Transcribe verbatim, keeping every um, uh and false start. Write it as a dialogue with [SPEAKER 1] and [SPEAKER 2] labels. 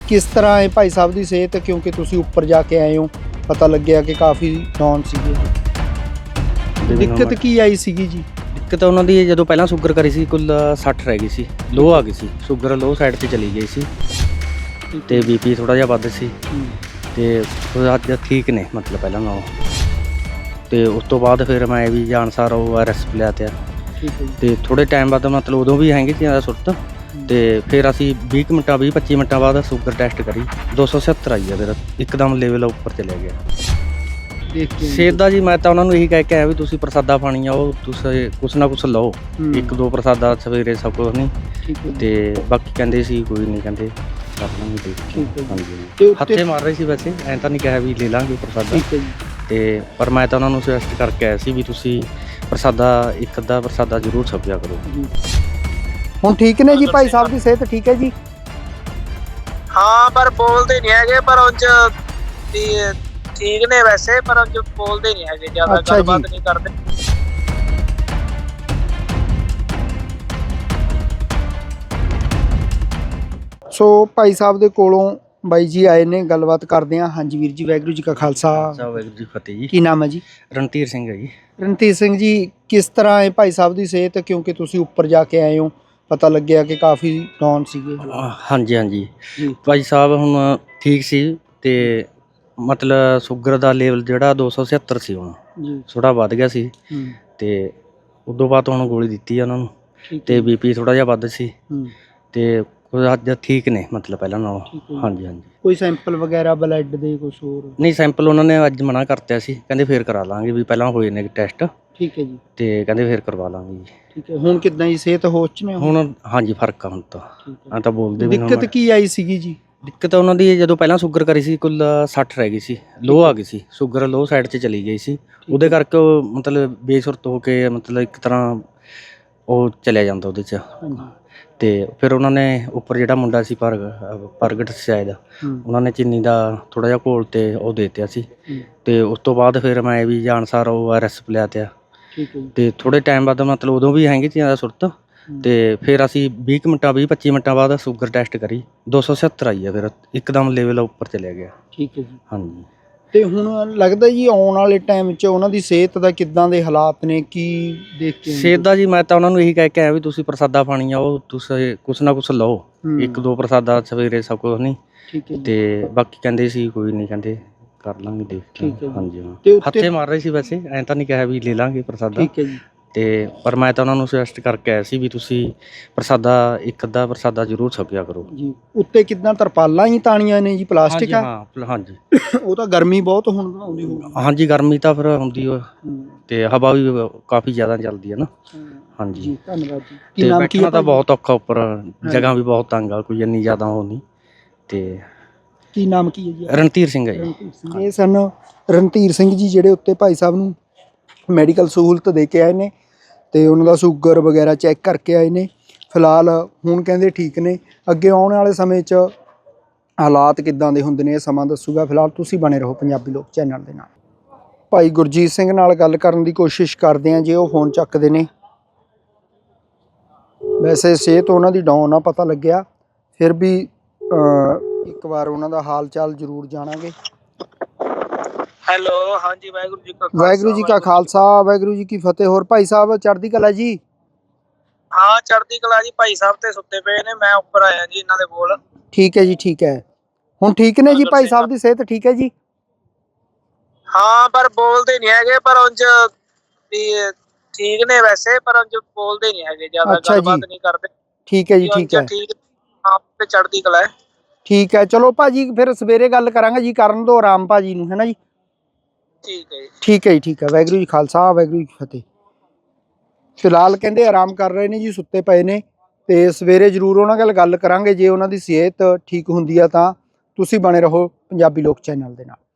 [SPEAKER 1] किस तरह है भाई साहब की सेहत, क्योंकि तुसी ऊपर जाके आए हो, पता लग्या कि काफ़ी डाउन सीगे। ਦਿੱਕਤ ਕੀ ਆਈ ਸੀਗੀ ਜੀ?
[SPEAKER 2] ਦਿੱਕਤ ਉਹਨਾਂ ਦੀ ਜਦੋਂ ਪਹਿਲਾਂ ਸ਼ੂਗਰ ਕਰੀ ਸੀ ਕੁੱਲ ਸੱਠ ਰਹਿ ਗਈ ਸੀ, ਲੋ ਆ ਗਈ ਸੀ, ਸ਼ੂਗਰ ਲੋ ਸਾਈਡ ਤੇ ਚਲੀ ਗਈ ਸੀ ਤੇ ਬੀਪੀ ਥੋੜਾ ਜਿਹਾ ਵੱਧ ਸੀ ਤੇ ਅੱਜ ਠੀਕ ਨੇ ਮਤਲਬ ਪਹਿਲਾਂ ਨਾਲੋਂ। ਤੇ ਉਸ ਤੋਂ ਬਾਅਦ ਫਿਰ ਮੈਂ ਵੀ ਜਾਣਸਾਰ ਉਹ ਆਰ ਐਸ ਲਿਆ ਤੇ ਤੇ ਥੋੜੇ ਟਾਈਮ ਬਾਅਦ ਮਤਲਬ ਉਦੋਂ ਵੀ ਹੈਗੇ ਸੀ ਜ਼ਿਆਦਾ ਸੁਰਤ ਤੇ ਫਿਰ ਅਸੀਂ ਵੀਹ ਕੁ ਮਿੰਟਾਂ ਵੀਹ ਪੱਚੀ ਮਿੰਟਾਂ ਬਾਅਦ ਸ਼ੂਗਰ ਟੈਸਟ ਕਰੀ ਦੋ ਸੌ ਸੱਤਰ ਆਈ ਆ, ਫਿਰ ਇੱਕਦਮ ਲੈਵਲ ਉੱਪਰ ਚਲਿਆ ਗਿਆ। ਸਿਹਤ ਦਾ ਜੀ ਮੈਂ ਤਾਂ ਉਹਨਾਂ ਨੂੰ ਇਹੀ ਕਹਿ ਕੇ ਆਇਆ ਵੀ ਤੁਸੀਂ ਪ੍ਰਸਾਦਾ ਪਾਣੀ ਆ ਉਹ ਤੁਸੀਂ ਕੁਛ ਨਾ ਕੁਛ ਲਓ, ਇੱਕ ਦੋ ਪ੍ਰਸਾਦਾ ਸਵੇਰੇ ਸਭ ਕੁਛ ਨਹੀਂ ਤੇ ਬਾਕੀ ਕਹਿੰਦੇ ਸੀ ਕੋਈ ਨਹੀਂ, ਕਹਿੰਦੇ ਕਰ ਲਾਂਗੇ ਦੇਖ। ਹਾਂਜੀ ਹੱਥੇ ਮਾਰ ਰਹੇ ਸੀ, ਵੈਸੇ ਐਂ ਤਾਂ ਨਹੀਂ ਕਿਹਾ ਵੀ ਲੈ ਲਾਂਗੇ ਪ੍ਰਸਾਦਾ ਤੇ ਪਰ ਮੈਂ ਤਾਂ ਉਹਨਾਂ ਨੂੰ ਸੁਜੈਸਟ ਕਰਕੇ ਆਇਆ ਸੀ ਵੀ ਤੁਸੀਂ ਪ੍ਰਸਾਦਾ ਇੱਕ ਅੱਧਾ ਪ੍ਰਸਾਦਾ ਜ਼ਰੂਰ ਛਕਿਆ ਕਰੋ।
[SPEAKER 1] ਹੁਣ ਠੀਕ ਨੇ ਜੀ ਭਾਈ ਸਾਹਿਬ ਦੀ ਸਿਹਤ ਠੀਕ ਹੈ ਜੀ?
[SPEAKER 3] ਹਾਂ ਪਰ ਬੋਲਦੇ ਨਹੀਂ ਹੈਗੇ, ਪਰ ਉਂਝ ਵੀ ਠੀਕ ਨੇ ਵੈਸੇ, ਪਰ ਉਂਝ ਬੋਲਦੇ ਨਹੀਂ ਹੈਗੇ, ਜ਼ਿਆਦਾ ਗੱਲਬਾਤ ਨਹੀਂ ਕਰਦੇ।
[SPEAKER 1] ਸੋ ਭਾਈ ਸਾਹਿਬ ਦੇ ਕੋਲੋਂ ਬਾਈ ਜੀ ਆਏ ਨੇ, ਗੱਲਬਾਤ ਕਰਦੇ ਹਾਂ। ਹਾਂਜੀ ਵੀਰ ਜੀ, ਵਾਹਿਗੁਰੂ ਜੀ ਕਾ ਖਾਲਸਾ
[SPEAKER 2] ਵਾਹਿਗੁਰੂ ਜੀ ਫਤਿਹ ਜੀ।
[SPEAKER 1] ਕੀ ਨਾਮ ਹੈ ਜੀ?
[SPEAKER 2] ਰਣਧੀਰ ਸਿੰਘ ਹੈ ਜੀ।
[SPEAKER 1] ਰਣਧੀਰ ਸਿੰਘ ਜੀ, ਕਿਸ ਤਰ੍ਹਾਂ ਹੈ ਭਾਈ ਸਾਹਿਬ ਦੀ ਸਿਹਤ, ਕਿਉਂਕਿ ਤੁਸੀਂ ਉੱਪਰ ਜਾ ਕੇ ਆਏ ਹੋ, ਪਤਾ ਲੱਗਿਆ ਕਿ ਕਾਫੀ ਡਾਊਨ ਸੀਗੇ।
[SPEAKER 2] ਹਾਂਜੀ ਹਾਂਜੀ ਭਾਈ ਸਾਹਿਬ ਹੁਣ ਠੀਕ ਸੀ ਤੇ ਮਤਲਬ ਸ਼ੂਗਰ ਦਾ ਲੈਵਲ ਜਿਹੜਾ ਦੋ ਸੌ ਛਿਹੱਤਰ ਸੀ, ਹੁਣ ਥੋੜਾ ਵੱਧ ਗਿਆ ਸੀ ਤੇ ਉਦੋਂ ਬਾਅਦ ਹੁਣ ਗੋਲੀ ਦਿੱਤੀ ਆ ਉਹਨਾਂ ਨੂੰ ਤੇ ਬੀਪੀ ਥੋੜਾ ਜਿਹਾ ਵੱਧ ਸੀ ਤੇ ਅੱਜ ਠੀਕ ਨੇ ਮਤਲਬ ਪਹਿਲਾਂ ਨਾਲੋਂ। ਹਾਂਜੀ ਹਾਂਜੀ
[SPEAKER 1] ਕੋਈ ਸੈਂਪਲ ਵਗੈਰਾ ਬਲੱਡ ਦੇ ਕੁਝ ਹੋਰ?
[SPEAKER 2] ਨਹੀਂ, ਸੈਂਪਲ ਉਹਨਾਂ ਨੇ ਅੱਜ ਮਨਾ ਕਰਤਿਆ ਸੀ, ਕਹਿੰਦੇ ਫੇਰ ਕਰਾ ਲਾਂਗੇ ਵੀ ਪਹਿਲਾਂ ਹੋਏ ਨੇ ਟੈਸਟ।
[SPEAKER 1] ਠੀਕ ਹੈ ਜੀ।
[SPEAKER 2] ਤੇ ਕਹਿੰਦੇ ਫੇਰ ਕਰਵਾ ਲਾਂਗੇ ਜੀ।
[SPEAKER 1] ਠੀਕ ਹੈ, ਹੁਣ ਕਿੱਦਾਂ ਜੀ ਸਿਹਤ ਹੋਸ਼ ਚ ਨੇ
[SPEAKER 2] ਹੁਣ? ਹਾਂਜੀ ਫਰਕ ਆ ਹੁਣ ਤਾਂ, ਆ ਤਾਂ ਬੋਲਦੇ ਵੀ।
[SPEAKER 1] ਦਿੱਕਤ ਕੀ ਆਈ ਸੀਗੀ ਜੀ?
[SPEAKER 2] ਦਿੱਕਤ ਉਹਨਾਂ ਦੀ ਜਦੋਂ ਪਹਿਲਾਂ ਸ਼ੂਗਰ ਕਰੀ ਸੀ ਕੁੱਲ ਸੱਠ ਰਹਿ ਗਈ ਸੀ, ਲੋ ਆ ਗਈ ਸੀ, ਸ਼ੂਗਰ ਲੋ ਸਾਈਡ 'ਚ ਚਲੀ ਗਈ ਸੀ, ਉਹਦੇ ਕਰਕੇ ਉਹ ਮਤਲਬ ਬੇਸੁਰਤ ਹੋ ਕੇ ਮਤਲਬ ਇੱਕ ਤਰ੍ਹਾਂ ਉਹ ਚਲਿਆ ਜਾਂਦਾ ਉਹਦੇ 'ਚ। ਤੇ ਫਿਰ ਉਹਨਾਂ ਨੇ ਉੱਪਰ ਜਿਹੜਾ ਮੁੰਡਾ ਸੀ ਪ੍ਰਗ ਪ੍ਰਗਟ ਸ਼ਾਇਦ, ਉਹਨਾਂ ਨੇ ਚੀਨੀ ਦਾ ਥੋੜਾ ਜਿਹਾ ਘੋਲ ਤੇ ਉਹ ਦੇ ਦਿੱਤਾ ਸੀ ਤੇ ਉਸ ਤੋਂ ਬਾਅਦ ਫਿਰ ਮੈਂ ਵੀ ਜਾਣਸਾਰ ਉਹ ਆਰ ਐਸ ਲਿਆ ਤੇ ਤੇ ਥੋੜੇ ਟਾਈਮ ਬਾਅਦ ਮਤਲਬ ਉਦੋਂ ਵੀ ਹੈਗੇ ਸੀ ਜ਼ਿਆਦਾ ਸੁਰਤ ਤੇ ਫਿਰ ਅਸੀਂ ਵੀਹ ਕੁ ਮਿੰਟਾਂ ਵੀਹ ਪੱਚੀ ਮਿੰਟਾਂ ਬਾਅਦ ਸ਼ੂਗਰ ਟੈਸਟ ਕਰੀ ਦੋ ਸੌ ਸੱਤਰ ਆਈ ਆ, ਫਿਰ ਇੱਕਦਮ ਲੈਵਲ ਉੱਪਰ ਚਲਿਆ ਗਿਆ।
[SPEAKER 1] ਠੀਕ ਹੈ ਜੀ।
[SPEAKER 2] ਹਾਂਜੀ
[SPEAKER 1] ਤੇ ਹੁਣ ਲੱਗਦਾ ਜੀ ਆਉਣ ਵਾਲੇ ਟਾਈਮ 'ਚ ਉਹਨਾਂ ਦੀ ਸਿਹਤ ਦਾ ਕਿੱਦਾਂ ਦੇ ਹਾਲਾਤ ਨੇ, ਕੀ ਦੇਖ ਕੇ?
[SPEAKER 2] ਸਿਹਤ ਦਾ ਜੀ ਮੈਂ ਤਾਂ ਉਹਨਾਂ ਨੂੰ ਇਹੀ ਕਹਿ ਕੇ ਆਇਆ ਵੀ ਤੁਸੀਂ ਪ੍ਰਸਾਦਾ ਪਾਣੀ ਆ ਉਹ ਤੁਸੀਂ ਕੁਛ ਨਾ ਕੁਛ ਲਓ, ਇੱਕ ਦੋ ਪ੍ਰਸਾਦਾ ਸਵੇਰੇ ਸਭ ਕੁਛ ਨਹੀਂ ਤੇ ਬਾਕੀ ਕਹਿੰਦੇ ਸੀ ਕੋਈ ਨਹੀਂ, ਕਹਿੰਦੇ ਕਰ ਲਾਂਗੇ ਦੇਖ। ਹਾਂਜੀ ਹੱਥੇ ਮਾਰ ਰਹੇ ਸੀ, ਵੈਸੇ ਐਂ ਤਾਂ ਨਹੀਂ ਕਿਹਾ ਵੀ ਲੈ ਲਾਂਗੇ ਪ੍ਰਸਾਦਾ।
[SPEAKER 1] ਠੀਕ ਹੈ ਜੀ।
[SPEAKER 2] ਤੇ ਪਰ ਮੈਂ ਤਾਂ ਉਹਨਾਂ ਨੂੰ ਸੁਜੈਸਟ ਕਰਕੇ ਆਇਆ ਸੀ ਵੀ ਤੁਸੀਂ ਪ੍ਰਸਾਦਾ ਇੱਕ ਅੱਧਾ ਪ੍ਰਸਾਦਾ ਜ਼ਰੂਰ ਛਕਿਆ ਕਰੋ
[SPEAKER 1] ਜੀ। ਉੱਤੇ ਕਿੱਦਾਂ ਤਰਪਾਲਾਂ ਹੀ ਤਾਣੀਆਂ ਨੇ ਜੀ, ਪਲਾਸਟਿਕ ਆ?
[SPEAKER 2] ਹਾਂ ਹਾਂਜੀ।
[SPEAKER 1] ਉਹ ਤਾਂ ਗਰਮੀ ਬਹੁਤ ਹੁਣ ਆਉਂਦੀ ਹੋਊਗੀ।
[SPEAKER 2] ਹਾਂਜੀ ਗਰਮੀ ਤਾਂ ਫਿਰ ਹੁੰਦੀ ਉਹ ਤੇ ਹਵਾ ਵੀ ਕਾਫੀ ਜ਼ਿਆਦਾ ਚੱਲਦੀ ਹੈ ਨਾ। ਹਾਂਜੀ
[SPEAKER 1] ਜੀ ਧੰਨਵਾਦ ਜੀ।
[SPEAKER 2] ਕੀ ਨਾਮ ਕੀ ਹੈ? ਤਾਂ ਬਹੁਤ ਔਖਾ, ਉੱਪਰ ਜਗ੍ਹਾ ਵੀ ਬਹੁਤ ਤੰਗ ਆ, ਕੋਈ ਇੰਨੀ ਜ਼ਿਆਦਾ ਉਹ ਨਹੀਂ। ਤੇ
[SPEAKER 1] ਕੀ ਨਾਮ ਕੀ ਹੈ ਜੀ?
[SPEAKER 2] ਰਣਧੀਰ ਸਿੰਘ ਹੈ ਜੀ।
[SPEAKER 1] ਇਹ ਸਨ ਰਣਧੀਰ ਸਿੰਘ ਜੀ, ਜਿਹੜੇ ਉੱਤੇ ਭਾਈ ਸਾਹਿਬ ਨੂੰ ਮੈਡੀਕਲ ਸਹੂਲਤ ਦੇ ਕੇ ਆਏ ਨੇ ਤੇ ਉਹਨਾਂ ਦਾ ਸ਼ੂਗਰ ਵਗੈਰਾ ਚੈੱਕ ਕਰਕੇ ਆਏ ਨੇ। ਫਿਲਹਾਲ ਹੁਣ ਕਹਿੰਦੇ ਠੀਕ ਨੇ, ਅੱਗੇ ਆਉਣ ਵਾਲੇ ਸਮੇਂ 'ਚ ਹਾਲਾਤ ਕਿੱਦਾਂ ਦੇ ਹੁੰਦੇ ਨੇ ਇਹ ਸਮਾਂ ਦੱਸੂਗਾ। ਫਿਲਹਾਲ ਤੁਸੀਂ ਬਣੇ ਰਹੋ ਪੰਜਾਬੀ ਲੋਕ ਚੈਨਲ ਦੇ ਨਾਲ। ਭਾਈ ਗੁਰਜੀਤ ਸਿੰਘ ਨਾਲ ਗੱਲ ਕਰਨ ਦੀ ਕੋਸ਼ਿਸ਼ ਕਰਦੇ ਹਾਂ, ਜੇ ਉਹ ਫੋਨ ਚੱਕਦੇ ਨੇ। ਵੈਸੇ ਸਿਹਤ ਉਹਨਾਂ ਦੀ ਡਾਊਨ ਆ, ਪਤਾ ਲੱਗਿਆ, ਫਿਰ ਵੀ ਇੱਕ ਵਾਰ ਉਹਨਾਂ ਦਾ ਹਾਲ ਚਾਲ ਜ਼ਰੂਰ ਜਾਣਾਂਗੇ।
[SPEAKER 3] ਹੈਲੋ, ਹਾਂਜੀ ਵਾਹਿਗੁਰੂ ਜੀ ਕਾ ਖਾਲਸਾ
[SPEAKER 1] ਵਾਹਿਗੁਰੂ ਜੀ ਕਾ ਖਾਲਸਾ ਵਾਹਿਗੁਰੂ ਜੀ ਕੀ ਫਤਿਹ। ਹੋਰ ਭਾਈ ਸਾਹਿਬ ਚੜ੍ਹਦੀ ਕਲਾ ਜੀ?
[SPEAKER 3] ਹਾਂ ਚੜ੍ਹਦੀ ਕਲਾ ਜੀ। ਭਾਈ ਸਾਹਿਬ ਤੇ ਸੁੱਤੇ ਪਏ ਨੇ, ਮੈਂ ਉੱਪਰ ਆਇਆ ਜੀ ਇਹਨਾਂ ਦੇ ਕੋਲ।
[SPEAKER 1] ਠੀਕ ਹੈ ਜੀ, ਠੀਕ ਹੈ। ਹੁਣ ਠੀਕ ਨੇ ਜੀ ਭਾਈ ਸਾਹਿਬ ਦੀ ਸਿਹਤ ਠੀਕ ਹੈ ਜੀ?
[SPEAKER 3] ਹਾਂ ਪਰ ਬੋਲਦੇ ਨਹੀਂ ਹੈਗੇ, ਪਰ ਉਂਝ ਵੀ ਠੀਕ ਨੇ ਵੈਸੇ, ਪਰ ਉਂਝ ਬੋਲਦੇ ਨਹੀਂ ਹੈਗੇ, ਜ਼ਿਆਦਾ ਗੱਲਬਾਤ ਨਹੀਂ ਕਰਦੇ।
[SPEAKER 1] ਠੀਕ ਹੈ ਜੀ, ਠੀਕ ਹੈ।
[SPEAKER 3] ਠੀਕ ਹਾਂ ਤੇ ਚੜ੍ਹਦੀ ਕਲਾ ਹੈ।
[SPEAKER 1] ਠੀਕ ਹੈ, ਚਲੋ ਭਾਜੀ ਫਿਰ ਸਵੇਰੇ ਗੱਲ ਕਰਾਂਗੇ ਜੀ, ਕਰਨ ਦੋ ਆਰਾਮ ਭਾਜੀ ਨੂੰ, ਹੈ ਨਾ ਜੀ?
[SPEAKER 3] ਠੀਕ ਹੈ ਜੀ।
[SPEAKER 1] ਠੀਕ ਹੈ ਜੀ, ਠੀਕ ਹੈ। ਵਾਹਿਗੁਰੂ ਜੀ ਖਾਲਸਾ ਵਾਹਿਗੁਰੂ ਜੀ ਕੀ ਫਤਿਹ। ਫਿਲਹਾਲ ਕਹਿੰਦੇ ਆਰਾਮ ਕਰ ਰਹੇ ਨੇ ਜੀ, ਸੁੱਤੇ ਪਏ ਨੇ ਤੇ ਸਵੇਰੇ ਜ਼ਰੂਰ ਉਹਨਾਂ ਨਾਲ ਗੱਲ ਕਰਾਂਗੇ। ਜੇ ਉਹਨਾਂ ਦੀ ਸਿਹਤ ਠੀਕ ਹੁੰਦੀ ਆ ਤਾਂ ਤੁਸੀਂ ਬਣੇ ਰਹੋ ਪੰਜਾਬੀ ਲੋਕ ਚੈਨਲ ਦੇ ਨਾਲ।